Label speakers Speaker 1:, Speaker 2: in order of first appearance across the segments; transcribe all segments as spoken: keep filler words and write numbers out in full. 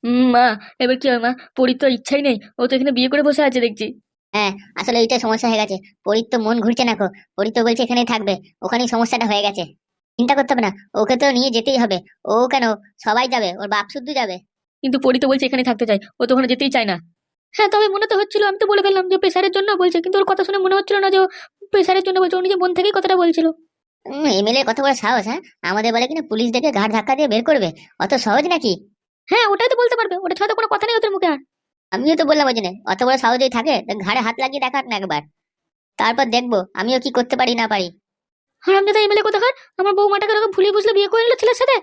Speaker 1: উম, মা, এবার কি হবে মা? পরীর তো ইচ্ছাই নেই, ও তো এখানে বিয়ে করে বসে আছে দেখছি।
Speaker 2: হ্যাঁ, আসলে এইটা সমস্যা হয়ে গেছে। পরীর তো মন ঘুরছে না, কো পরী তো বলছে এখানেই থাকবে। ওখানেই সমস্যাটা হয়ে গেছে। চিন্তা করতে হবে না, ওকে তো নিয়ে যেতেই হবে। ও কেন, সবাই যাবে, ওর বাপ শুদ্ধ যাবে।
Speaker 1: কিন্তু পরী তো বলছে এখানে থাকতে চাই, ও তো ওখানে যেতেই চায় না। হ্যাঁ, তবে মনে তো হচ্ছিল, আমি তো বলে ফেললাম যে প্রেশারের জন্য বলছে, কিন্তু ওর কথা শুনে মনে হচ্ছিল না যে ও প্রেশারের জন্য বলছে, ও নিজে মন থেকেই কথাটা বলছিল।
Speaker 2: এমএলএ কত বড় সাহস! হ্যাঁ, আমাদের বলে কিনা পুলিশ ডেকে ঘাট ধাক্কা দিয়ে বের করবে? অত সহজ নাকি?
Speaker 1: হ্যাঁ, ওটাই তো বলতে পারবে, ওটা ছাড়া তো কোনো কথা নেই ওদের মুখে আর।
Speaker 2: আমিও তো বললাম ওই জন্য, অত বড় সাহস যদি থাকে তা ঘাড়ে হাত লাগিয়ে দেখাক না একবার। তারপর দেখবো আমিও কি করতে পারি না পারি।
Speaker 1: হারামজাদা এমএলএ কোথাকার! আমার বৌমাটাকে ওরকম ভুলিয়ে বুঝলে বিয়ে করে নিল ছেলের সাথে।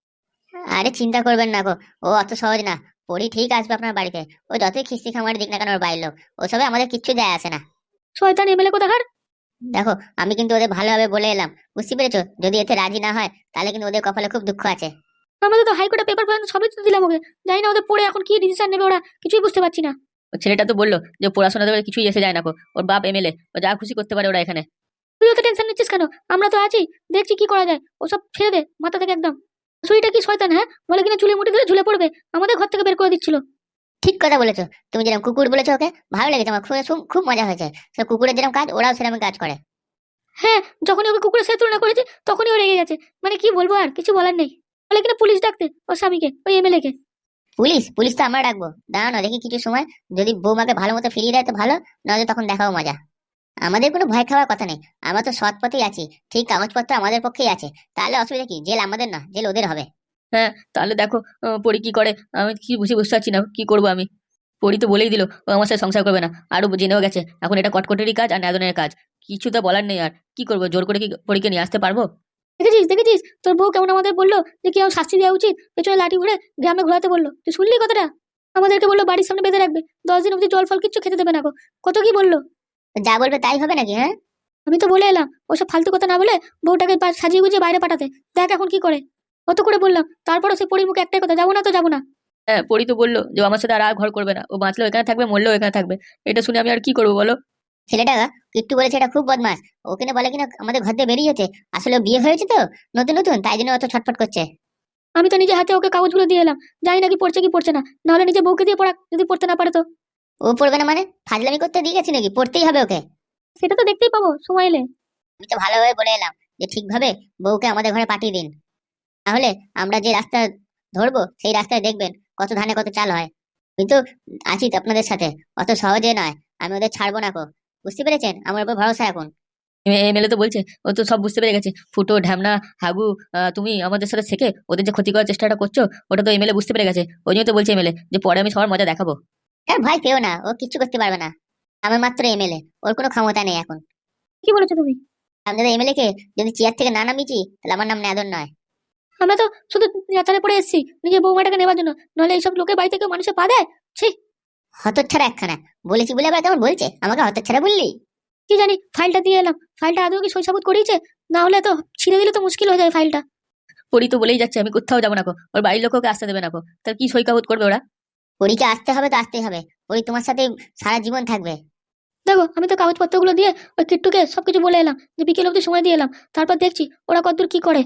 Speaker 2: আরে চিন্তা করবেন না গো, ও অত সহজ না। পরি ঠিক আসবে আপনার বাড়িতে। ও যতই খিস্তি খামারি দিক না কেন ওর বাড়ির লোক, ওসবে আমাদের কিচ্ছু যায় আসে না।
Speaker 1: শয়তান এমএলএ কোথাকার!
Speaker 2: দেখো, আমি কিন্তু ওদের ভালোভাবে বলে এলাম, বুঝতে পেরেছো? যদি এতে রাজি না হয় তাহলে কিন্তু ওদের কপালে খুব দুঃখ আছে।
Speaker 1: আমাদের তো হাইকোর্টে পেপার পর্যন্ত সবই তো দিলাম ওকে। জানি না ওদের পড়ে এখন কি ডিসিশন নেবে, ওরা কিছুই বুঝতে পারছি না। ও ছেলেটা তো বললো যে পড়াশোনা দেবে কিছুই এসে যায় না, কো ওর বাপ এমএলএ, ও যা খুশি করতে পারে ওরা এখানে। তুইও তো টেনশন নিচ্ছিস কেন? আমরা তো আছি, দেখছি কি করা যায়। ওসব ছেড়ে দে মাথা থেকে একদম। সুইটা কি শয়তান, হ্যাঁ? বলে কিনা চুলে মুঠি দিলে ঝুলে পড়বে, আমাদের ঘর থেকে বের করে দিচ্ছিল।
Speaker 2: ঠিক কথা বলেছো। তুমি যেরকম কুকুর বলেছো ওকে, ভালো লেগেছে আমার, খুব খুব খুব মজা হয়েছে। সে কুকুরের যেরকম কাজ, ওরাও সেরকম কাজ করে।
Speaker 1: হ্যাঁ, যখনই ওকে কুকুরের সাথে তুলনা করেছি তখনই ও রেগে গেছে। মানে কি বলবো, আর কিছু বলার নেই। বলে কিনা পুলিশ ডাকতে ওর স্বামীকে, ওই এমএলএ কে।
Speaker 2: পুলিশ পুলিশ তো আমরা ডাকবো। দাঁড়ানো দেখি কিছু সময়, যদি বৌমাকে ভালো মতো ফিরিয়ে দেয় তো ভালো, নাহলে তখন দেখাও মজা। আমাদের কোনো ভয় খাওয়ার কথা নেই, আমরা তো সৎ পথেই আছি। ঠিক কাগজপত্র আমাদের পক্ষেই আছে। তাহলে অসুবিধা কি? জেল আমাদের না, জেল ওদের হবে।
Speaker 1: হ্যাঁ, তাহলে দেখো আহ, পরি কি করে। আমি কি বুঝে বুঝতে পারছি না কি করবো আমি। পরি তো বলেই দিল ও আমার সাথে সংসার করবে না, আরো জেনেও গেছে এখন এটা কটকটেরই কাজ আর নাদনের কাজ। কিছু তো বলার নেই আর। কি করবো, জোর করে কি পরীকে নিয়ে আসতে পারবো? দেখেছিস দেখেছিস তোর বউ কেমন আমাদের বললো যে কি আমার শাস্তি দেওয়া উচিত, পেছনে লাঠি ঘুরে গ্রামে ঘোরাতে বললো। তুই শুনলি কথাটা? আমাদেরকে বললো বাড়ির সামনে বেঁধে রাখবে, দশ দিন অব্দি জল ফল কিচ্ছু খেতে দেবে না গো। কত কি বললো।
Speaker 2: তো যা বলবে তাই হবে নাকি? হ্যাঁ,
Speaker 1: আমি তো বলে এলাম ওসব ফালতু কথা না বলে বউটাকে পা- সাজিয়ে গুজিয়ে বাইরে পাঠাতে। দেখ এখন কি করে। কত করে বললাম, তারপরও সে পরির মুখে একটাই কথা, যাবো না তো যাবো না। হ্যাঁ, পরি তো বললো যে ও আমার সাথে আর আর ঘর করবে না, ও বাঁচলেও এখানে থাকবে মরলেও এখানে থাকবে। এটা শুনে আমি আর কি করবো বলো?
Speaker 2: ছেলেটা কিট্টু বলেছে এটা খুব বদমাস। ওকে না বলে কিনা আমাদের ঘর দিয়ে বেরিয়েছে। আসলে ও বিয়ে হয়েছে তো নতুন নতুন, তাই জন্য অত ছটফট করছে।
Speaker 1: আমি তো নিজে হাতে ওকে কাগজগুলো দিয়ে এলাম, জানি না কি পড়ছে কি পড়ছে না। নাহলে নিজে বউকে দিয়ে পড়া, যদি পড়তে না পারে তো।
Speaker 2: ও পড়বে না মানে? ফাজলামি করতে দিয়ে গেছি নাকি? পড়তেই হবে ওকে।
Speaker 1: সেটা তো দেখতেই পাবো সময় এলে।
Speaker 2: আমি তো ভালোভাবে বলে এলাম যে ঠিকভাবে বউকে আমাদের ঘরে পাঠিয়ে দিন। তাহলে আমরা যে রাস্তা ধরবো সেই রাস্তায় দেখবেন কত ধানে কত চাল হয়। আমি তো আছি তো আপনাদের সাথে, অত সহজে নয়। আমি ওদের ছাড়বো না কো। বুঝতে পেরেছেন? আমার উপর ভরসা এখন।
Speaker 1: এমএলএ তো বলছে ও তো সব বুঝতে পেরে গেছে। ফুটো ঢ্যামনা হাগু, আহ, তুমি আমাদের সাথে থেকে ওদের যে ক্ষতি করার চেষ্টাটা করছো, ওটা তো এমএলএ বুঝতে পেরে গেছে। ওই জন্য তো বলছে এমএলএ যে পরে আমি সবার মজা দেখাবো।
Speaker 2: হ্যাঁ, ভয় পেও না, ও কিচ্ছু করতে পারবে না। আমার মাত্র এমএলএ, ওর কোনো ক্ষমতা নেই এখন।
Speaker 1: কি বলেছো তুমি?
Speaker 2: আপনাদের এমএলএ কে যদি চেয়ার থেকে না নামিয়েছি তাহলে আমার নাম নেদন নয়।
Speaker 1: আমরা তো শুধু যাত্রায় পড়ে এসেছি নিজের বৌমাটাকে নেবার জন্য, নাহলে এইসব লোকের বাড়িতে কেউ মানুষের পা দেয়? ছি!
Speaker 2: হতচ্ছাড়া একখানা। বলেছি বলে আবার কেমন বলছে আমাকে হতচ্ছাড়া বললি?
Speaker 1: কি জানি, ফাইলটা দিয়ে এলাম। ফাইলটা আদৌ কি সই সাবুত করিয়েছে? না হলে তো ছিঁড়ে দিলে তো মুশকিল হয়ে যায় ফাইলটা। পরি তো বলেই যাচ্ছে আমি কোথাও যাবো না, কো ওর বাড়ির লোক ওকে আসতে দেবে না, কো তার কি সই কাগজ করবে ওরা?
Speaker 2: পরীকে আসতে হবে তো আসতেই হবে। পরী তোমার সাথে সারা জীবন থাকবে।
Speaker 1: দেখো, আমি তো কাগজপত্রগুলো দিয়ে ওই কিট্টুকে সবকিছু বলে এলাম, যে বিকেল অব্দি সময় দিয়ে এলাম। তারপর দেখছি ওরা কতদূর কি করে।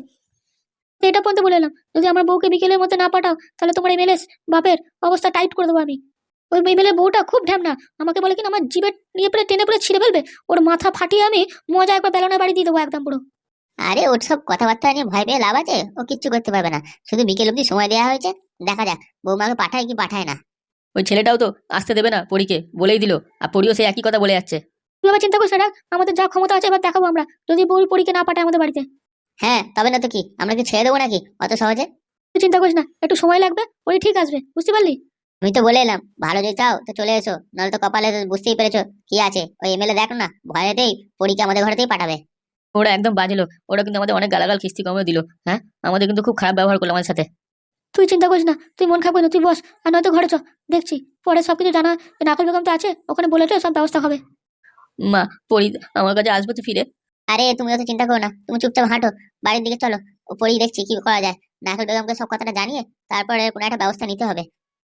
Speaker 1: এটা পর্যন্ত বলে এলাম, যদি আমার বউকে বিকেলের মধ্যে না পাঠাও তাহলে তোমার এমএলএ বাপের অবস্থা টাইট করে দেবো আমি। ওই এমএলএ বউটা খুব ঢ্যামনা, আমাকে বলে কিনা আমার জিভে নিয়ে পড়ে টেনে পড়ে ছিঁড়ে ফেলবে। ওর মাথা ফাটিয়ে আমি মজা একবার বেলনের বাড়ি দিয়ে দেবো একদম পুরো।
Speaker 2: আরে ওর সব কথাবার্তা নিয়ে ভয় পেয়ে লাভ আছে? ও কিচ্ছু করতে পারবে না। শুধু বিকেল অব্দি সময় দেওয়া হয়েছে, দেখা যাক বৌমাকে পাঠায় কি পাঠায় না।
Speaker 1: ওই ছেলেটাও তো আসতে দেবে না পরীকে, বলেই দিল। আর পরীও সেই একই কথা বলে যাচ্ছে। তুই আবার চিন্তা করিস না, আমাদের যা ক্ষমতা আছে এবার দেখাবো আমরা, যদি বউ পরীকে না পাঠায় আমাদের বাড়িতে।
Speaker 2: হ্যাঁ, তবে না তো কি, আমরা কি ছেড়ে দেবো নাকি অত সহজে?
Speaker 1: তুই চিন্তা করিস না, একটু সময় লাগবে, পরী ঠিক আসবে, বুঝতে পারলি?
Speaker 2: আমি তো বলে এলাম, ভালো যদি চাও তো চলে এসো, নাহলে তো কপালে তো বুঝতেই পেরেছো কি আছে। ওই এমএলএ দেখো না, ভয়েতেই পরীকে আমাদের ঘরেতেই পাঠাবে।
Speaker 1: ওরা একদম বাজে লোক, ওরা কিন্তু আমাদের অনেক গালাগাল খিস্তি কমে দিল। হ্যাঁ, আমাদের কিন্তু খুব খারাপ ব্যবহার করলো আমাদের সাথে। তুই চিন্তা করিস না, তুই মন খারাপ করিস না, তুই বস। আর নয়তো ঘরে চ, দেখছি পরে সবকিছু জানা। নাকল বেগম তো আছে, ওখানে বলে তো সব ব্যবস্থা হবে। মা, পরি আমার কাছে আসবে তো ফিরে?
Speaker 2: আরে তুমি অত চিন্তা করো না, তুমি চুপচাপ হাঁটো, বাড়ির দিকে চলো। ও পরেই দেখছি কি করা যায়। নাকল বেগমকে সব কথাটা জানিয়ে তারপরে কোনো একটা ব্যবস্থা নিতে হবে।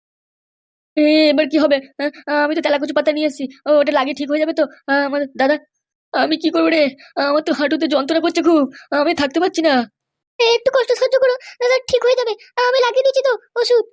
Speaker 1: এ, এবার কি হবে? আহ, আমি তো তেলাকুচি পাতা নিয়ে এসেছি, ও, ওটা লাগিয়ে ঠিক হয়ে যাবে তো? আহ, আমার দাদা, আমি কি করবো রে? আমার তো হাঁটুতে যন্ত্রণা করছে খুব, আমি থাকতে পারছি না।
Speaker 2: একটু কষ্ট সহ্য করো দাদা, ঠিক হয়ে যাবে। আমি লাগিয়ে দিচ্ছি তো ওষুধ।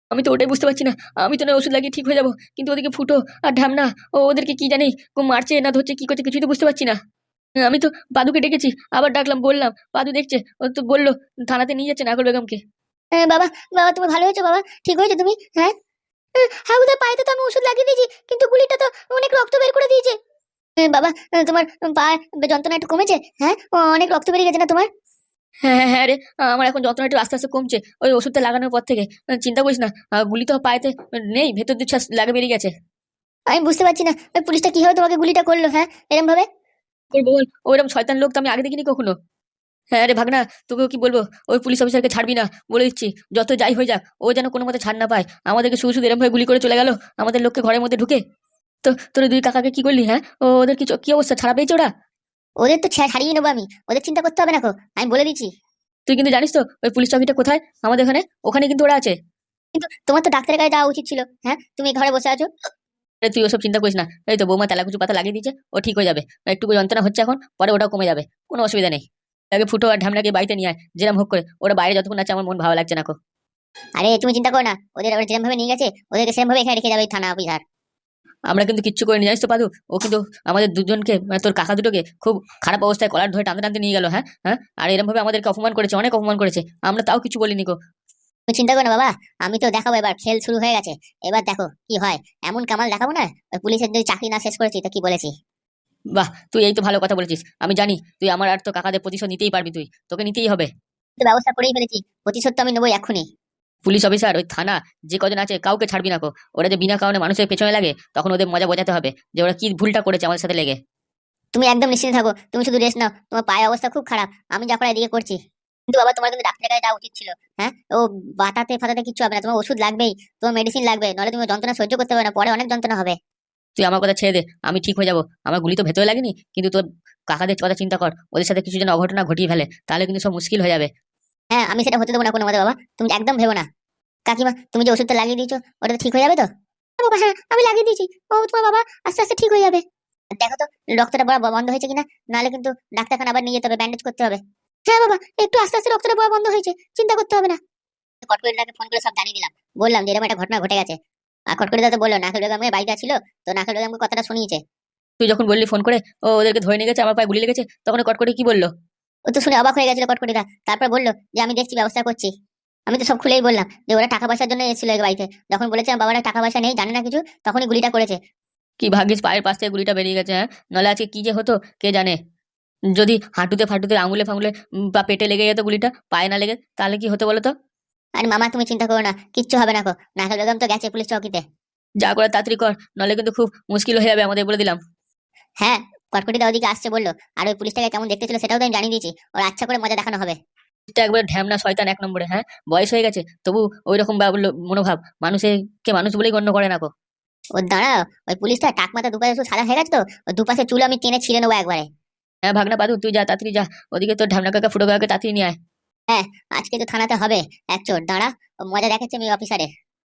Speaker 1: আমি তো ওটাই বুঝতে পারছি না। আমি তো না ওষুধ লাগিয়ে ঠিক হয়ে যাবো, কিন্তু ওদিকে ফুটো আর ঢ্যামনা ও ওদেরকে কি জানি কো মারছে না ধরছে কি করছে কিছুই তো বুঝতে পারছি না। আমি তো পাদুকে ডেকেছি, আবার ডাকলাম, বললাম, পাদু দেখছে, ও তো বললো থানাতে নিয়ে যাচ্ছে নাগর বেগমকে।
Speaker 2: হ্যাঁ, বাবা বাবা তুমি ভালো হয়েছো বাবা, ঠিক হয়েছো তুমি? হ্যাঁ, হাগুদার পায়েতে তো আমি ওষুধ লাগিয়ে দিয়েছি, কিন্তু গুলিটা তো অনেক রক্ত বের করে দিয়েছে। এ, বাবা আহ, তোমার পা যন্ত্রণা একটু কমেছে? হ্যাঁ, ও, অনেক রক্ত বেরিয়ে গেছে না তোমার?
Speaker 1: হ্যাঁ হ্যাঁ হ্যাঁ রে, আমার এখন যন্ত্রণা একটু আস্তে আস্তে কমছে ওই ওষুধটা লাগানোর পর থেকে। চিন্তা করিস না, আহ, গুলি তো পায়েতে নেই, ভেতর দিয়ে ছাস লাগে বেরিয়ে গেছে।
Speaker 2: আমি বুঝতে পারছি না ওই পুলিশটা কিভাবে তোমাকে গুলিটা করলো, হ্যাঁ এরকম ভাবে?
Speaker 1: করবো বল, ওইরকম শয়তান লোক তো আমি আগে দেখিনি কখনো। হ্যাঁ রে ভাগনা, তোকেও কি বলবো, ওই পুলিশ অফিসারকে ছাড়বি না বলে দিচ্ছি। যত যাই হয়ে যাক, ও যেন কোনো মতে ছাড় না পায়। আমাদেরকে শুধু শুধু এরকম ভাবে গুলি করে চলে গেল আমাদের লোককে ঘরের মধ্যে ঢুকে। তো তোর দুই কাকাকে কি করলি? হ্যাঁ, ও ওদের কি চ- কি অবস্থা, ছাড়া পেয়েছে ওরা?
Speaker 2: ওদের তো ছা- ছাড়িয়ে নেবো আমি, ওদের চিন্তা করতে হবে না কো, আমি বলে দিচ্ছি।
Speaker 1: তুই কিন্তু জানিস তো ওই পুলিশ চৌকিটা কোথায় আমাদের এখানে? ওখানে কিন্তু ওরা আছে।
Speaker 2: কিন্তু তোমার তো ডাক্তারের কাছে যাওয়া উচিত ছিল, হ্যাঁ তুমি ঘরে বসে আছো।
Speaker 1: আরে তুই ওসব চিন্তা করিস না, এই তো বৌমা তেলাকুচু পাতা লাগিয়ে দিয়েছে, ও ঠিক হয়ে যাবে। একটু যন্ত্রণা হচ্ছে এখন, পরে ওটাও কমে যাবে, কোনো অসুবিধা নেই। আগে ফুটো আর ঢামনাকে বাড়িতে নিয়ে আয়, যেরকম হোক করে। ওরা বাইরে যতক্ষণ আছে আমার মন ভালো লাগছে না কো।
Speaker 2: আরে তুমি চিন্তা করো না, ওদের ওরা যেরকম ভাবে নিয়ে গেছে ওদেরকে সেরকম ভাবে এখানে রেখে যাবে ওই থানা অফিসার।
Speaker 1: আমরা কিন্তু কিচ্ছু করে নিয়ে জানিস তো পাদু, ও কিন্তু আমাদের দুজনকে মানে তোর কাকা দুটোকে খুব খারাপ অবস্থায় কলার ধরে টানতে টানতে নিয়ে গেল। হ্যাঁ হ্যাঁ, আর এরকম ভাবে আমাদেরকে অপমান করেছে, অনেক অপমান করেছে, আমরা তাও কিছু বলিনি কো।
Speaker 2: তুমি চিন্তা করো না বাবা, আমি তো দেখাবো, এবার খেল শুরু হয়ে গেছে, এবার দেখো কি হয়। এমন কামাল দেখাবো না, ওই পুলিশের যদি চাকরি না শেষ করেছি তো কি বলেছি।
Speaker 1: বাহ, তুই এই তো ভালো কথা বলেছিস। আমি জানি তুই আমার আর তো কাকাদের প্রতিশোধ নিতেই পারবি, তুই তোকে নিতেই হবে।
Speaker 2: তো ব্যবস্থা করেই ফেলেছি, প্রতিশোধ তো আমি নেবোই এক্ষুনি।
Speaker 1: পুলিশ অফিসার ওই থানা যে কজন আছে কাউকে ছাড়বি না কো। ওরা যে বিনা কারণে মানুষের পেছনে লাগে, তখন ওদের মজা বোঝাতে হবে যে ওরা কি ভুলটা করেছে আমাদের সাথে লেগে।
Speaker 2: তুমি একদম নিশ্চিন্ত থাকো, তুমি শুধু রেস্ট নাও, তোমার পায়ের অবস্থা খুব খারাপ, আমি যা করার এদিকে করছি। কিন্তু বাবা তোমার কিন্তু ডাক্তারের কাছে যাওয়া উচিত ছিল। হ্যাঁ, ও বাতাতে ফাটাতে কিছু হবে না, তোমার ওষুধ লাগবেই, তোমার মেডিসিন লাগবে, নাহলে তুমি যন্ত্রণা সহ্য করতে পারবে না, পরে অনেক যন্ত্রণা হবে।
Speaker 1: তুই আমার কথা ছেড়ে দে, আমি ঠিক হয়ে যাবো। আমার গুলি তো ভেতরে লাগেনি, কিন্তু তোর কাকাদের কথা চিন্তা কর, ওদের সাথে কিছু যেন অঘটনা ঘটিয়ে ফেলে, তাহলে কিন্তু সব মুশকিল হয়ে যাবে।
Speaker 2: হ্যাঁ, আমি সেটা হতে দেবো না কোনো মতে বাবা, তুমি একদম ভেবো না। কাকিমা তুমি যে ওষুধটা লাগিয়ে দিয়েছো ওটা তো ঠিক হয়ে যাবে তো? হ্যাঁ বাবা, হ্যাঁ আমি লাগিয়ে দিয়েছি, ও তোমার বাবা আস্তে আস্তে ঠিক হয়ে যাবে। দেখো তো রক্তটা বড় বন্ধ হয়েছে কিনা, নাহলে কিন্তু ডাক্তারখানা আবার নিয়ে যেতে হবে, ব্যান্ডেজ করতে হবে। হ্যাঁ বাবা, একটু আস্তে আস্তে রক্তটা বড় বন্ধ হয়েছে, চিন্তা করতে হবে না। কটকরিদাকে ফোন করে সব জানিয়ে দিলাম, বললাম যে এরকম একটা ঘটনা ঘটে গেছে। আর কটকরিদা তো বললো নাকেল বেগমের বাড়িতে ছিল, তো নাকেল বেগমকে কথাটা শুনিয়েছে।
Speaker 1: তুই যখন বললি ফোন করে ও ওদেরকে ধরে নিয়ে গেছে, আমার পায়ে গুলি লেগেছে, তখন ও কট করে কি বললো?
Speaker 2: ও তো শুনে অবাক হয়ে গেছিল কটকরিদা, তারপর বললো যে আমি দেখছি, ব্যবস্থা করছি। আমি তো সব খুলেই বললাম যে ওরা টাকা পয়সার জন্য এসেছিল এই বাড়িতে, যখন বলেছে আমার বাবারা টাকা পয়সা নেই, জানে না কিছু, তখনই গুলিটা করেছে।
Speaker 1: কি ভাগ্যিস পায়ের পাশ থেকে গুলিটা বেরিয়ে গেছে, হ্যাঁ, নাহলে আজকে কি যে হতো কে জানে। যদি হাঁটুতে ফাটুতে আঙুলে ফাঙুলে উম, বা পেটে লেগে যেত গুলিটা, পায়ে না লেগে, তাহলে কি হতো বলো তো?
Speaker 2: আর মামা তুমি চিন্তা করো না, কিচ্ছু হবে না, কো নাকেল বেগম তো গেছে পুলিশ চৌকিতে।
Speaker 1: যা করে তাড়াতাড়ি কর, নাহলে কিন্তু খুব মুশকিল হয়ে যাবে আমাদের, বলে দিলাম।
Speaker 2: হ্যাঁ, কটকটিদা ওদিকে আসছে বললো, আর ওই পুলিশটাকে কেমন দেখতে ছিল সেটাও তো আমি জানিয়ে দিয়েছি, ওর আচ্ছা করে মজা দেখানো হবে।
Speaker 1: এটা একবার ঢ্যামনা শয়তান এক নম্বরে। হ্যাঁ, বয়স হয়ে গেছে তবু ওই রকম মনোভাব, মানুষকে মানুষ বলেই গণ্য করে না কো।
Speaker 2: ওর দাঁড়াও, ওই পুলিশটা টাক মাথা দুপাশে শুধু সাদা হয়ে গেছে তো, ওই দুপাশে চুল আমি টেনে ছিঁড়ে নেবো একবারে।
Speaker 1: হ্যাঁ ভাগনা পাদু, তুই যা তাড়াতাড়ি যা, ওদিকে তোর ঢ্যামনা কাকা ফুটো কাকাকে তাড়াতাড়ি নিয়ে আয়।
Speaker 2: হ্যাঁ, আজকে তো থানাতে হবে এক চোর, দাঁড়া ও মজা দেখাচ্ছে আমি অফিসারের।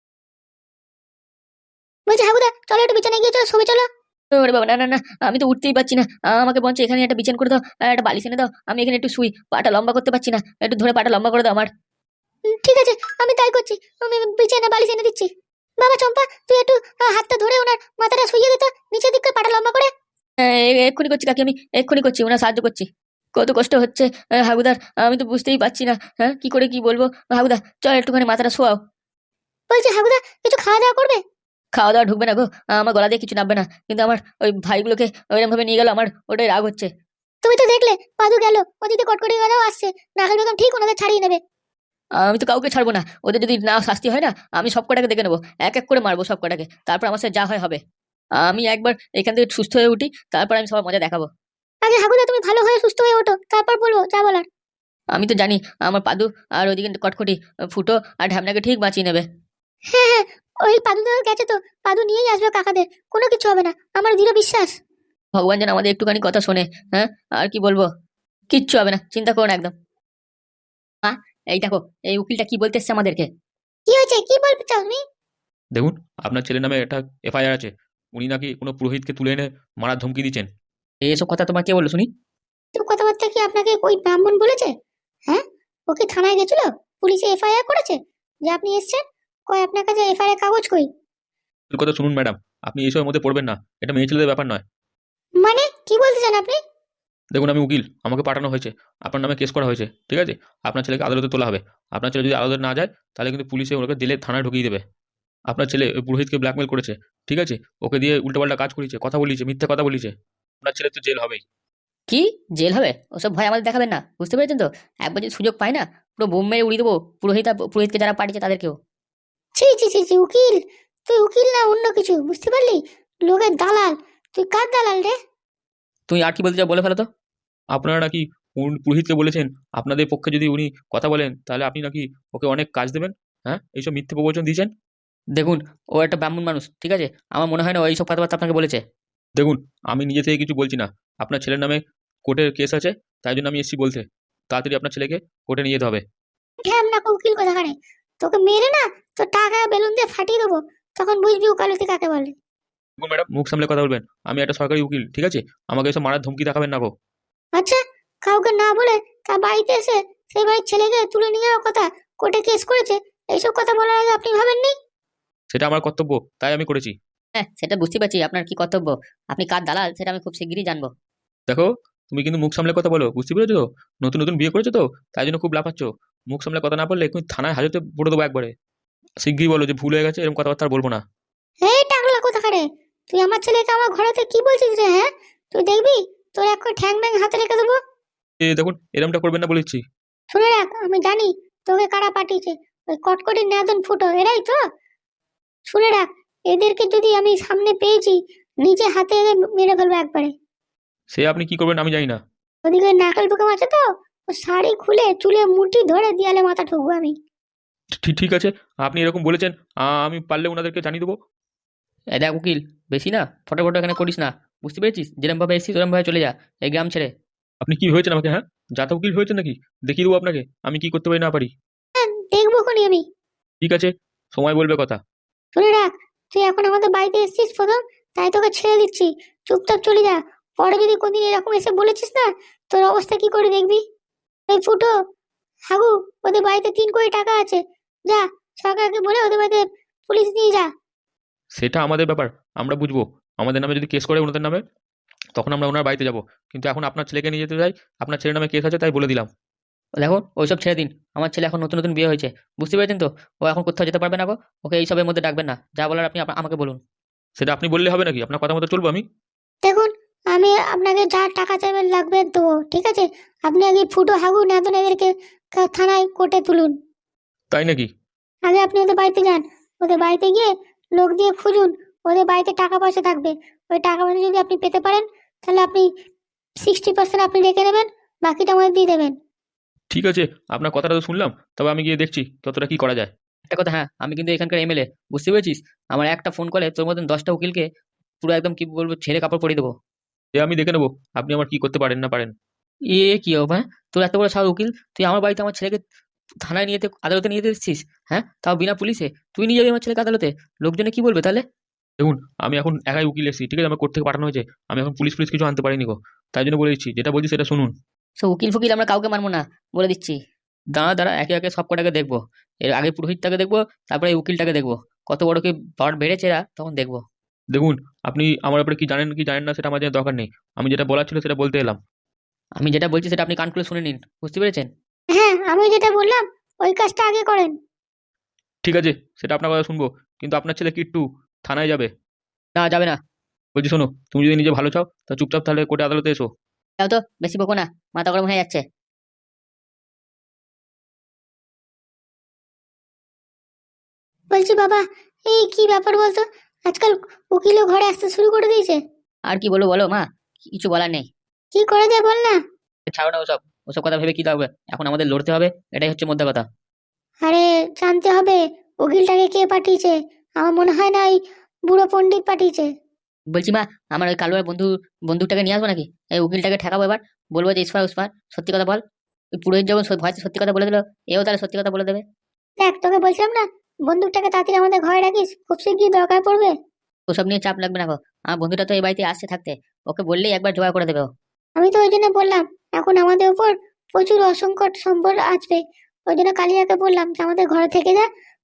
Speaker 2: বলছি হাগুদা চলো একটু বিছানায় গিয়ে চলো, ছবি চলো।
Speaker 1: ওরে বাবা, না না না, আমি তো উঠতেই পারছি না। আমাকে বঞ্চ এখানে একটা বিছান করে দাও, আর একটা বালিশ এনে দাও, আমি এখানে একটু শুই, পাটা লম্বা করতে পারছি না, একটু ধরে পাটা লম্বা করে দাও আমার।
Speaker 2: হুম, ঠিক আছে আমি তাই করছি, আমি বিছানা বালিশ এনে দিচ্ছি। বাবা চম্পা তুই একটু আহ, হাতটা ধরে ওনার মাথাটা শুইয়ে দিত, নিচের দিকে পাটা লম্বা করে।
Speaker 1: হ্যাঁ, এ- এক্ষুনি করছি কাকি, আমি এক্ষুনি করছি, ওনার সাহায্য করছি। কত কষ্ট হচ্ছে আহ, হাগুদার, আমি তো বুঝতেই পারছি না, হ্যাঁ কি করে কি বলবো। হাগুদা চল একটুখানি মাথাটা শোয়াও।
Speaker 2: বলছি হাগুদা কিছু খাওয়া দাওয়া করবে?
Speaker 1: খাওয়া দাওয়া ঢুকবে না গো, আমার গলা দিয়ে কিছু নামবে না, কিন্তু আমার ওই ভাইগুলোকে ওইরকম ভাবে নিয়ে গেল, আমার ওটাই রাগ হচ্ছে।
Speaker 2: তুমি তো দেখলে পাদু গেল, ওদিকে কটকটি গেলেও আসছে, নাগাল বেগম ঠিক ওনাদের ছাড়িয়ে নেবে।
Speaker 1: আমি তো কাউকে ছাড়বো না, ওদের যদি না শাস্তি হয় না, আমি সব কটাকে দেখে নেবো, এক এক করে মারবো সব কটাকে, তারপর আমার সাথে যা হয় হবে। আমি একবার এখান থেকে সুস্থ হয়ে উঠি, তারপর আমি সবার মজা দেখাবো।
Speaker 2: আগে হাগুদা তুমি ভালো হয়ে সুস্থ হয়ে ওঠো, তারপর বলবো যা বলার।
Speaker 1: আমি তো জানি আমার পাদু আর ওইদিকে কটকটি ফুটো আর ঢ্যামনাকে ঠিক বাঁচিয়ে নেবে।
Speaker 2: হ্যাঁ হ্যাঁ, ওই পাদু তো গেছে তো, পাদু নিয়েই আসবে কাকাদের, কোনো কিছু হবে না, আমার দৃঢ় বিশ্বাস।
Speaker 1: ভগবান যেন আমাদের একটুখানি কথা শোনে। হ্যাঁ, আর কি বলবো, কিচ্ছু হবে না, চিন্তা করো না একদম। মা, এই দেখো, এই উকিলটা কি বলতে এসছে আমাদেরকে।
Speaker 2: কি হয়েছে, কি বলতে চাও তুমি?
Speaker 3: দেখুন, আপনার ছেলের নামে একটা এফআইআর আছে। উনি নাকি কোনো পুরোহিতকে তুলে এনে মারার ধমকি দিচ্ছেন।
Speaker 1: এইসব কথা তোমার কে বললো শুনি?
Speaker 2: তো কথাবার্তা কি আপনাকে ওই ব্রাহ্মণ বলেছে? হ্যাঁ, ও কি থানায় গেছিল, পুলিশে এফআইআর করেছে যে আপনি এসেছেন? কই আপনার কাছে এফআইআর কাগজ কই?
Speaker 3: এর কথা শুনুন ম্যাডাম, আপনি এইসবের মধ্যে পড়বেন না, এটা মেয়ে ছেলেদের ব্যাপার নয়।
Speaker 2: মানে কি বলতে চান আপনি?
Speaker 3: দেখুন আমি উকিল, আমাকে পাঠানো হয়েছে, আপনার নামে কেস করা হয়েছে, ঠিক আছে? আপনার ছেলেকে আদালতে তোলা হবে। আপনার ছেলে যদি আদালতে না যায় তাহলে কিন্তু পুলিশে ওকে জেলে থানায় ঢুকিয়ে দেবে। আপনার ছেলে ওই পুরোহিতকে ব্ল্যাকমেল করেছে, ঠিক আছে? ওকে দিয়ে উল্টোপাল্টা কাজ করিয়েছে, কথা বলিয়েছে, মিথ্যা কথা বলিয়েছে। আপনার ছেলে তো জেল হবেই।
Speaker 1: কি জেল হবে? ওসব ভয় আমাদের দেখাবেন না, বুঝতে পেরেছেন তো? একবার যদি সুযোগ পাই না, পুরো বোম মেরে উড়িয়ে দেবো পুরোহিত আর পুরোহিতকে যারা পাঠিয়েছে তাদেরকেও।
Speaker 2: ছি ছি ছি ছি, উকিল? তুই উকিল না অন্য কিছু, বুঝতে পারলি? লোকের দালাল। তুই কার দালাল রে?
Speaker 1: তুমি আর কি বলতে চাও বলে ফেলো তো।
Speaker 3: আপনারা নাকি উন পুরোহিতকে বলেছেন আপনাদের পক্ষে যদি উনি কথা বলেন তাহলে আপনি নাকি ওকে অনেক কাজ দেবেন, হ্যাঁ? এইসব মিথ্যে প্রবচন দিয়েছেন।
Speaker 1: দেখুন, ও একটা ব্রাহ্মণ মানুষ, ঠিক আছে? আমার মনে হয় না ও এইসব কথাবার্তা আপনাকে বলেছে।
Speaker 3: দেখুন, আমি নিজে থেকে কিছু বলছি না। আপনার ছেলের নামে কোর্টের কেস আছে, তাই জন্য আমি এসেছি বলতে। তাড়াতাড়ি আপনার ছেলেকে কোর্টে নিয়ে যেতে হবে।
Speaker 2: ঢ্যাম না উকিল কোথাকারে। তোকে মেরে না, তো টাকা বেলুন দিয়ে ফাটিয়ে দেবো, তখন বুঝবি উকালতি কাকে বলে।
Speaker 3: দেখুন ম্যাডাম, মুখ সামলে কথা বলবেন। আমি একটা সরকারি উকিল, ঠিক আছে? আমাকে এসব মারার ধমকি দেখাবেন না গো।
Speaker 2: আচ্ছা, কাউকে না বলে তার বাড়িতে এসে সেই বাড়ির ছেলেকে তুলে নিয়ে যাওয়ার কথা, কোর্টে কেস করেছে, এইসব কথা বলার আগে আপনি ভাবেননি?
Speaker 3: সেটা আমার কর্তব্য, তাই আমি করেছি।
Speaker 1: হ্যাঁ, সেটা বুঝতে পারছি আপনার কি কর্তব্য। আপনি কার দালাল সেটা আমি খুব শিগগিরই জানবো।
Speaker 3: দেখো, তুমি কিন্তু মুখ সামলে কথা বলো, বুঝতে পেরেছো তো? নতুন নতুন বিয়ে করেছো তো, তাই জন্য খুব লাফাচ্ছ। মুখ সামলে কথা না বললে এক্ষুনি থানায় হাজতে পড়ে দেবো একবারে। শিগগিরই বলো যে ভুল হয়ে গেছে, এরকম কথাবার্তা আর বলবো না।
Speaker 2: এই টাকলা কোথাকারে, তুই আমার ছেলেকে আমার ঘরেতে কি বলছিস রে? হ্যাঁ, তুই দেখবি তোর এক ঠ্যাং ব্যাং হাতে রেখে দেবো।
Speaker 3: এ দেখুন, এরমটা করবেন না বলেছি।
Speaker 2: শুনে রাখ, আমি জানি তোকে কারা পাঠিয়েছে। ওই কটকটি নাদন ফুটো এরাই তো। শুনে রাখ, এদেরকে যদি আমি সামনে পেয়েছি, নিজে হাতে এদের মেরে ফেলবো একবারে।
Speaker 3: সে আপনি কি করবেন আমি জানি না।
Speaker 2: ওদিকে নাকাল পোকাম আছে তো, ও শাড়ি খুলে চুলে মুঠি ধরে দেয়ালে মাথা ঠুকবো আমি।
Speaker 3: ঠিক ঠিক আছে, আপনি এরকম বলেছেন, আ, আমি পারলে ওনাদেরকে জানিয়ে দেবো।
Speaker 1: এ দেখ উকিল, বেশি না ফটো ফটো এখানে করিস না, বুঝতে পেরেছিস? যেরকম ভাবে এসেছিস ওরকম ভাবে চলে যা এই গ্রাম ছেড়ে।
Speaker 3: আপনি কি হয়েছেন আমাকে, হ্যাঁ? জাতা উকিল হয়েছেন নাকি? দেখিয়ে দেবো আপনাকে আমি কি করতে পারি না পারি।
Speaker 2: হ্যাঁ, দেখবো খনি আমি।
Speaker 3: ঠিক আছে, সময় বলবে কথা।
Speaker 2: শুনে রাখ, তুই এখন আমাদের বাড়িতে এসেছিস প্রথম, তাই তোকে ছেড়ে দিচ্ছি। চুপচাপ চলে যা। পরে যদি কোনদিন এরকম এসে বলেছিস না, তোর অবস্থা কি করে দেখবি। এই ফুটো, হাগু, ওদের বাড়িতে তিন কোটি টাকা আছে। যা, সরকারকে বলে ওদের বাড়িতে পুলিশ নিয়ে যা।
Speaker 3: সেটা আমাদের ব্যাপার, আমরা বুঝবো। আমাদের নামে যদি কেস করে ওনাদের নামে, তখন আমরা ওনার বাড়িতে যাব। কিন্তু এখন আপনার ছেলেকে নিয়ে যেতে চাই, আপনার ছেলের নামে কেস আছে তাই বলে দিলাম।
Speaker 1: দেখো, ওইসব ছেড়ে দিন। আমার ছেলে এখন নতুন নতুন বিয়ে হয়েছে, বুঝতে পেরেছেন তো? ও এখন কোথাও যেতে পারবে না গো। ওকে এইসবের মধ্যে ডাকবেন না, যা বলার আপনি আপনা- আমাকে বলুন।
Speaker 3: সেটা আপনি বললে হবে নাকি? আপনার কথা মতো চলবো আমি?
Speaker 2: দেখুন, আমি আপনাকে যা টাকা চাইবেন লাগবে দেবো, ঠিক আছে? আপনি আগে ফুটো, হাগু, নাদন এদেরকে কা- থানায় কোর্টে তুলুন।
Speaker 3: তাই নাকি?
Speaker 2: আগে আপনি ওদের বাড়িতে যান। ওদের বাড়িতে গিয়ে লোক দিয়ে খুঁজুন। ওদের বাড়িতে টাকা পয়সা থাকবে। ওই টাকা পয়সা যদি আপনি পেতে পারেন, তাহলে আপনি সিক্সটি পার্সেন্ট আপনি রেখে নেবেন, বাকিটা আমাদের দিয়ে দেবেন।
Speaker 3: ঠিক আছে, আপনার কথাটা তো শুনলাম, তবে আমি গিয়ে দেখছি কতটা কি করা যায়।
Speaker 1: একটা কথা, হ্যাঁ, আমি কিন্তু এখানকার এমএলএ, বুঝতে পেরেছিস? আমার একটা ফোন কলে তোর মতন দশটা উকিলকে পুরো একদম কি বলবো ছেড়ে কাপড় পরিয়ে দেবো।
Speaker 3: এ আমি দেখে নেবো আপনি আমার কি করতে পারেন না পারেন।
Speaker 1: এ কি হবে, হ্যাঁ? তোর এত বড় সাহস উকিল, তুই আমার বাড়িতে আমার ছেলেকে থানায় নিয়ে যেতে আদালতে নিয়ে যেতে এসেছিস, হ্যাঁ? তাও বিনা পুলিশে। তুই নিয়ে যাবি আমার ছেলেকে আদালতে? লোকজনে কি বলবে তাহলে?
Speaker 3: দেখুন, আমি এখন একাই উকিল এসেছি, ঠিক আছে? আমার কোর্ট থেকে পাঠানো হয়েছে। আমি এখন পুলিশ পুলিশ কিছু আনতে পারিনি গো, তাই জন্য বলে দিচ্ছি, যেটা বলছি সেটা শুনুন।
Speaker 1: সো উকিল ফুকিল আমরা কাউকে মানবো না, বলে দিচ্ছি। দাঁড়া দাঁড়া, একে একে সব কটাকে দেখবো। এর আগে পুরোহিতটাকে দেখবো, তারপরে এই উকিলটাকে দেখবো। কত বড় কি পাওয়ার বেড়েছে এরা, তখন দেখবো।
Speaker 3: দেখুন, আপনি আমার ব্যাপারে কি জানেন কি জানেন না সেটা আমার জানার দরকার নেই। আমি যেটা বলার ছিল সেটা বলতে এলাম।
Speaker 1: আমি যেটা বলছি সেটা আপনি কান খুলে শুনে নিন, বুঝতে পেরেছেন?
Speaker 2: হ্যাঁ, আমি যেটা বললাম ওই কাজটা আগে করেন।
Speaker 3: ঠিক আছে, সেটা আপনার কথা শুনবো, কিন্তু আপনার ছেলে কিট্টু থানায় যাবে।
Speaker 1: না, যাবে না।
Speaker 3: বলছি শোনো, তুমি যদি নিজে ভালো চাও তা চুপচাপ তাহলে কোর্টে আদালতে এসো।
Speaker 1: যাও তো, বেশি বকো না, মাথা গরম হয়ে যাচ্ছে।
Speaker 2: বলছি বাবা, এই কি ব্যাপার বলতো, আজকাল উকিলও ঘরে আসতে শুরু করে দিয়েছে।
Speaker 1: আর কি বলবো বলো মা, কিছু বলার নেই।
Speaker 2: কি করে যায় বল না।
Speaker 1: ছাড়ো না ওসব, ওসব কথা ভেবে কি লাগবে? এখন আমাদের লড়তে হবে, এটাই হচ্ছে মোদ্দা কথা।
Speaker 2: আরে, জানতে হবে উকিলটাকে কে পাঠিয়েছে। আমার মনে হয় না ওই বুড়ো পণ্ডিত পাঠিয়েছে।
Speaker 1: বলছি মা, আমার ওই কালুয়ার বন্ধু বন্দুকটাকে নিয়ে আসবো নাকি? এই উকিলটাকে ঠেকাবো এবার, বলবো যে ইসফার উসফার সত্যি কথা বল। ওই পুরোহিত যখন সত্যি- ভয়তে সত্যি কথা বলে দিল, এও তাহলে সত্যি কথা বলে দেবে।
Speaker 2: দেখ, তোকে বলছিলাম না, বন্দুকটাকে তাড়াতাড়ি আমাদের ঘরে রাখিস, খুব শিগগির দরকার পড়বে।
Speaker 1: ওসব নিয়ে চাপ লাগবে না গো। আমার বন্ধুটা তো এই বাড়িতে আসছে থাকতে, ওকে বললেই একবার জোগাড় করে দেবে ও।
Speaker 2: আমি তো ওই জন্য বললাম, এখন আমাদের উপর প্রচুর অসংকট সম্পদ আসবে। ওই জন্য কালিয়াকে বললাম যে আমাদের ঘরে থেকে যা,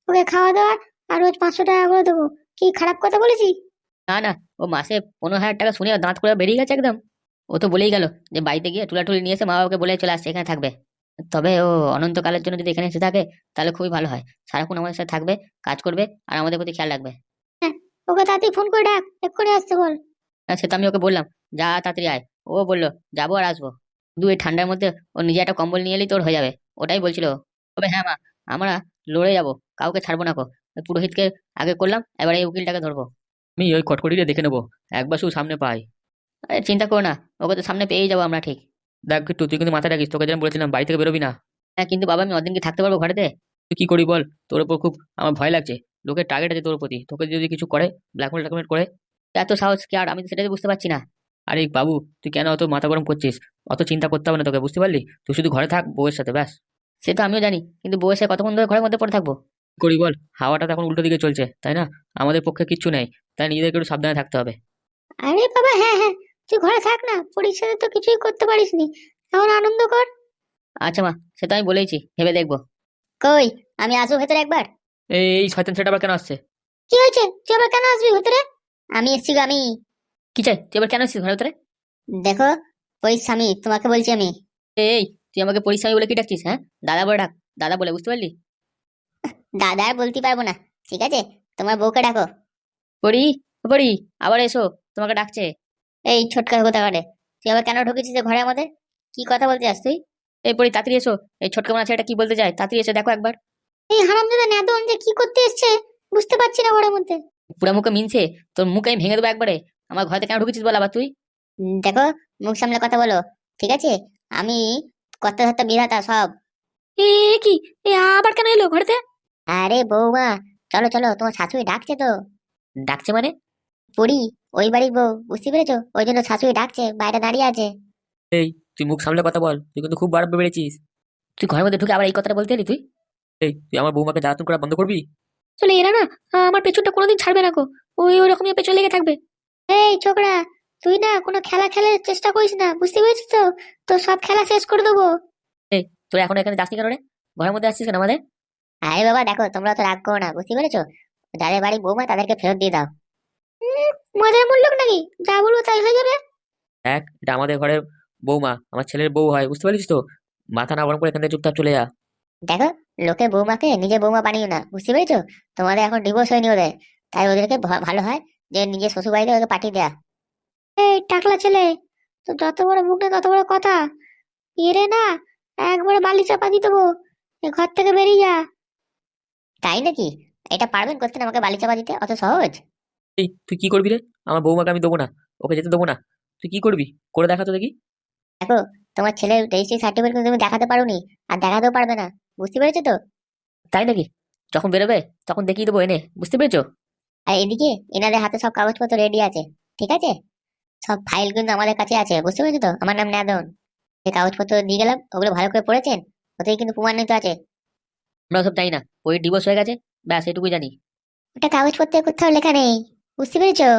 Speaker 2: ওকে খাওয়া দাওয়া আর রোজ পাঁচশো টাকা করে দেবো। কি খারাপ কথা বলেছি?
Speaker 1: না না, ও মাসে পনেরো হাজার টাকা শুনে দাঁত করে বেরিয়ে গেছে একদম। ও তো বলেই গেল যে বাড়িতে গিয়ে তুলাটুলি নিয়ে এসে মা বাবাকে বলে চলে আসছে এখানে থাকবে। তবে ও অনন্তকালের জন্য যদি এখানে এসে থাকে তাহলে খুবই ভালো হয়। সারাক্ষণ আমাদের সাথে থাকবে, কাজ করবে আর আমাদের প্রতি খেয়াল রাখবে।
Speaker 2: হ্যাঁ, ওকে তাড়াতাড়ি ফোন করে ডাক, এক্ষুনি আসতে বল।
Speaker 1: হ্যাঁ, সে তো আমি ওকে বললাম যা তাড়াতাড়ি আয়। ও বললো যাবো আর আসবো। দু এই ঠান্ডার মধ্যে ও নিজে একটা কম্বল নিয়ে এলেই তোর হয়ে যাবে, ওটাই বলছিল ও। তবে হ্যাঁ মা, আমরা লড়ে যাবো, কাউকে ছাড়বো না কো। ওই পুরোহিতকে আগে করলাম, এবারে এই উকিলটাকে ধরবো।
Speaker 3: আমি ওই খটখটিটা দেখে নেবো, একবার শুধু সামনে পাই।
Speaker 1: আরে চিন্তা করো না, ওকে তো সামনে পেয়েই যাবো আমরা ঠিক।
Speaker 3: দেখ একটু তুই কিন্তু মাথা রাখিস, তোকে যেন বলেছিলাম বাড়ি থেকে বেরোবি না।
Speaker 1: হ্যাঁ কিন্তু বাবা, আমি অদিন কি থাকতে পারবো ঘরেতে?
Speaker 3: তুই কি করি বল, তোর উপর খুব আমার ভয় লাগছে। লোকের টার্গেট আছে তোর প্রতি, তোকে যদি কিছু করে ব্ল্যাকমেল ট্যাকমেল করে।
Speaker 1: এত সাহস কি আর, আমি তো সেটাই বুঝতে পারছি না।
Speaker 3: আরে বাবু, তুই কেন অত মাথা গরম করছিস? অত চিন্তা করতে হবে না তোকে, বুঝতে পারলি? তুই শুধু ঘরে থাক বউয়ের সাথে, ব্যাস।
Speaker 1: সে তো আমিও জানি, কিন্তু বউয়ের সাথে কতক্ষণ ধরে ঘরের মধ্যে পড়ে থাকবো?
Speaker 3: কি করি বল, হাওয়াটা তো এখন উল্টো দিকে চলছে, তাই না? আমাদের পক্ষে কিচ্ছু নেই, তাই নিজেদেরকে একটু সাবধানে থাকতে হবে।
Speaker 2: আরে বাবা, হ্যাঁ হ্যাঁ, তুই ঘরে থাক না, পরীক্ষাতে তো কিছুই করতে পারিস নি, এখন আনন্দ কর।
Speaker 1: আচ্ছা মা, সে তো আমি বলেইছি, ভেবে দেখবো।
Speaker 2: কই, আমি আসবো ভেতরে একবার?
Speaker 3: এই এই শয়তান ছেলেটা আবার কেন আসছে?
Speaker 2: কি হয়েছে, তুই আবার কেন আসবি ভেতরে? আমি এসছি গো, আমি।
Speaker 1: কি চাই? তুই এবার কেন এসেছিস ঘরের ভিতরে?
Speaker 2: দেখো, পরিস্বামী তোমাকে বলছি আমি।
Speaker 1: এই, তুই আমাকে পরিশ্রমী বলে কি ডাকছিস? হ্যাঁ, দাদা বলে ডাক, দাদা বলে, বুঝতে পারলি?
Speaker 2: দাদা আর বলতে পারবো না, ঠিক আছে? তোমার বউকে ডাকো।
Speaker 1: পড়ি, পড়ি, আবার এসো, তোমাকে ডাকছে।
Speaker 2: এই ছোটকা কথা কাটে, তুই আবার কেন ঢুকেছিস এ ঘরে আমাদের? কি কথা বলতে চাস তুই?
Speaker 1: এই পড়ি, তাড়াতাড়ি এসো। এই ছোটকা মানা ছেলেটা কি বলতে চায়, তাড়াতাড়ি এসে দেখো একবার।
Speaker 2: এই হারামজাদা নেদন যে কি করতে এসছে বুঝতে পারছি না ঘরের মধ্যে।
Speaker 1: পুরা মুখে মিনছে, তোর মুখ আমি ভেঙে দেবো একবারে। আমার ঘরে কেন ঢুকেছিস বল আবার তুই?
Speaker 2: উম, দেখো, মুখ সামলে কথা বলো, ঠিক আছে? আমি কর্তা ধর্তা বিধাতা সব।
Speaker 1: এ কি, এ আবার কেন এলো ঘরেতে?
Speaker 2: আরে বৌমা, চলো চলো, তোমার শাশুড়ি ডাকছে তো।
Speaker 1: ডাকছে মানে?
Speaker 2: পড়ি, ওই বাড়ির বউ, বুঝতে পেরেছো? ওই জন্য শাশুড়ি ডাকছে, বাইরে দাঁড়িয়ে আছে।
Speaker 3: এই, তুই মুখ সামলে কথা বল, তুই কিন্তু খুব বাড়াবে বেড়েছিস।
Speaker 1: তুই ঘরের মধ্যে ঢুকে আবার এই কথাটা বলতে এলি তুই?
Speaker 3: এই, তুই আমার বৌমাকে জ্বালাতন করা বন্ধ করবি।
Speaker 1: চলে এরা না, আমার পেছনটা কোনোদিন ছাড়বে না গো। ওই ওরকমই পেছন লেগে থাকবে।
Speaker 2: এই ছোকরা, তুই না কোনো খেলা খেলার চেষ্টা করিস না, বুঝতে পেরেছিস তো? তো সব খেলা শেষ করে দেবো।
Speaker 1: এই, তোর এখন এখানে যাসনি কেন রে? ঘরের মধ্যে আসছিস কেন আমাদের?
Speaker 2: আরে বাবা দেখো, তোমরা তো রাগ করো না, বুঝতে পেরেছো? যাদের বাড়ি বৌমা তাদেরকে ফেরত দিয়ে দাও। উম, মজার মূল্য নাকি, যা বলবো তাই হয়ে যাবে।
Speaker 3: দেখ, এটা আমাদের ঘরের বৌমা, আমার ছেলের বউ হয়, বুঝতে পারছিস তো? মাথা না গরম করে এখান থেকে চুপচাপ চলে যা।
Speaker 2: দেখো, লোকে বৌমাকে নিজে বৌমা বানিও না, বুঝতে পেরেছো? তোমাদের এখন ডিভোর্স হয়নি ওদের, তাই ওদেরকে ভা- ভালো হয় যে নিজের শ্বশুর বাড়িতে ওকে পাঠিয়ে দেয়া। এই টাকলা ছেলে, তো যত বড় মুখ না তত বড় কথা। এরে না, একবারে বালি চাপা দিয়ে দেবো, এ ঘর থেকে বেরিয়ে যা। তাই নাকি? এটা পারবেন করতে আমাকে বালি চাপা দিতে, অত সহজ?
Speaker 3: এই, তুই কি করবি রে? আমার বৌমাকে আমি দেবো না, ওকে যেতে দেবো না। তুই কি করবি, করে দেখা তো দেখি।
Speaker 2: দেখো, তোমার ছেলের রেজিস্ট্রি সার্টিফিকেট কিন্তু তুমি দেখাতে পারোনি, আর দেখাতেও পারবে না, বুঝতে পেরেছো তো?
Speaker 1: তাই নাকি? যখন বেরোবে তখন দেখিয়ে দেবো এনে, বুঝতে পেরেছো?
Speaker 2: আর এদিকে এনাদের হাতে সব কাগজপত্র রেডি আছে, ঠিক আছে? সব ফাইল কিন্তু আমাদের কাছে আছে, বুঝতে পেরেছো তো? আমার নাম নাদন। যে কাগজপত্র দিয়ে গেলাম, ওগুলো ভালো করে পড়েছেন? ওতেই কিন্তু প্রমাণিত আছে।
Speaker 1: আমরা সব জানি না, ওই ডিভোর্স হয়ে গেছে, ব্যাস এটুকুই জানি।
Speaker 2: ওটা কাগজপত্রে কোথাও লেখা নেই, বুঝতে পেরেছো?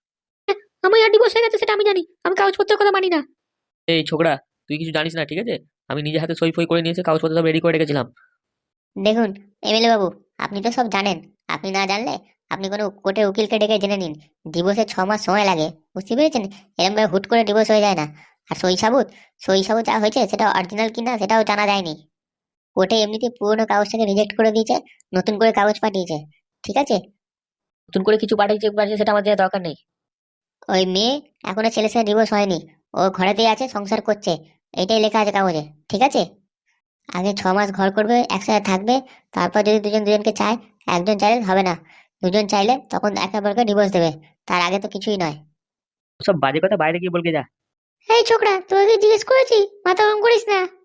Speaker 1: আমার আর ডিভোর্স হয়ে গেছে সেটা আমি জানি, আমি কাগজপত্রের কথা মানি না।
Speaker 3: এই ছোকরা, তুই কিছু জানিস না, ঠিক আছে? আমি নিজে হাতে সই ফই করে নিয়েছি, কাগজপত্র সব রেডি করে রেখেছিলাম।
Speaker 2: দেখুন এমএলএ বাবু, আপনি তো সব জানেন। আপনি না জানলে আপনি কোনো কোর্টে উকিলকে ডেকে জেনে নিন। ডিভোর্সে ছ মাস সময় লাগে, বুঝতে পেরেছেন? এরকম ভাবে হুট করে ডিভোর্স হয়ে যায় না। আর সই সাবুত, সই সাবুত যা হয়েছে সেটা অরিজিনাল কিনা সেটাও জানা যায়নি। কোর্টে এমনিতে পুরোনো কাগজটাকে রিজেক্ট করে দিয়েছে, নতুন করে কাগজ পাঠিয়েছে, ঠিক আছে?
Speaker 1: নতুন করে কিছু পাঠিয়েছে পাঠিয়েছে সেটা আমার জানার দরকার নেই।
Speaker 2: ওই মেয়ে এখনো ছেলের সাথে ডিভোর্স হয়নি, ও ঘরেতেই আছে, সংসার করছে, এটাই লেখা আছে কাগজে, ঠিক আছে? আগে ছ মাস ঘর করবে, একসাথে থাকবে, তারপর যদি দুজন দুজনকে চায়, একজন চাইলে হবে না, দুজন চাইলে তখন একে অপরকে ডিভোর্স দেবে। তার আগে তো কিছুই নয়।
Speaker 3: সব বাজে কথা বাইরে গিয়ে বলকে যা।
Speaker 2: এই ছোকরা, তোকে জিজ্ঞেস করেছি, মাথা গরম করিস না।